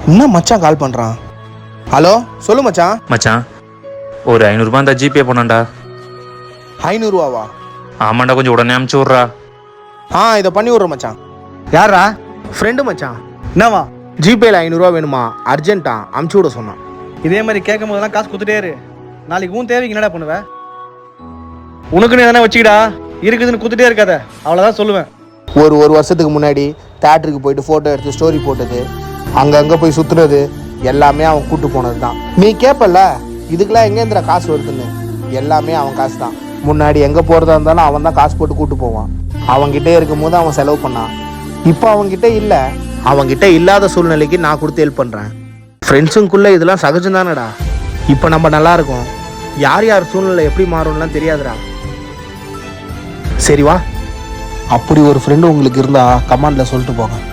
என்ன மச்சான் கால் பண்ணுறான்? ஹலோ சொல்லு மச்சான். மச்சான் ஒரு 500 ரூபாய் இருந்தா ஜிபே பண்ணாண்டா. 500 ரூபாவா? ஆமாண்டா, கொஞ்சம் உடனே அமுச்சு விட்றா. இதை பண்ணி விட்றேன் மச்சான். யாரா? ஃப்ரெண்டு மச்சான். என்னவா? ஜிபேல 500 ரூபா வேணுமா, அர்ஜென்ட்டா அமுச்சு விட சொன்னான். இதே மாதிரி கேட்கும் போதெல்லாம் காசு கொடுத்துட்டே இரு. நாளைக்கு உன் தேவைக்கு என்னடா பண்ணுவ? உனக்குன்னு எதனா வச்சுக்கிடா, இருக்குதுன்னு கொடுத்துட்டே இருக்காத, அவ்வளோதான் சொல்லுவேன். ஒரு வருஷத்துக்கு முன்னாடி தேட்டருக்கு போயிட்டு ஃபோட்டோ எடுத்து ஸ்டோரி போட்டது, அங்கங்கே போய் சுற்றுறது எல்லாமே அவன் கூட்டு போனது தான். நீ கேட்பல இதுக்கெல்லாம் எங்கேந்திர காசு வருதுன்னு, எல்லாமே அவன் காசு தான். முன்னாடி எங்கே போகிறதா இருந்தாலும் அவன் தான் காசு போட்டு கூட்டு போவான். அவன்கிட்டே இருக்கும் போது அவன் செலவு பண்ணான். இப்போ அவன்கிட்ட இல்லை, அவன்கிட்ட இல்லாத சூழ்நிலைக்கு நான் கொடுத்து ஹெல்ப் பண்ணுறேன். ஃப்ரெண்ட்ஸுக்குள்ளே இதெல்லாம் சகஜம் தானடா. இப்போ நம்ம நல்லா இருக்கோம், யார் யார் சூழ்நிலை எப்படி மாறும்லாம் தெரியாதுடா. சரி வா, அப்படி ஒரு ஃப்ரெண்டு உங்களுக்கு இருந்தால் கமெண்டில் சொல்லிட்டு போங்க.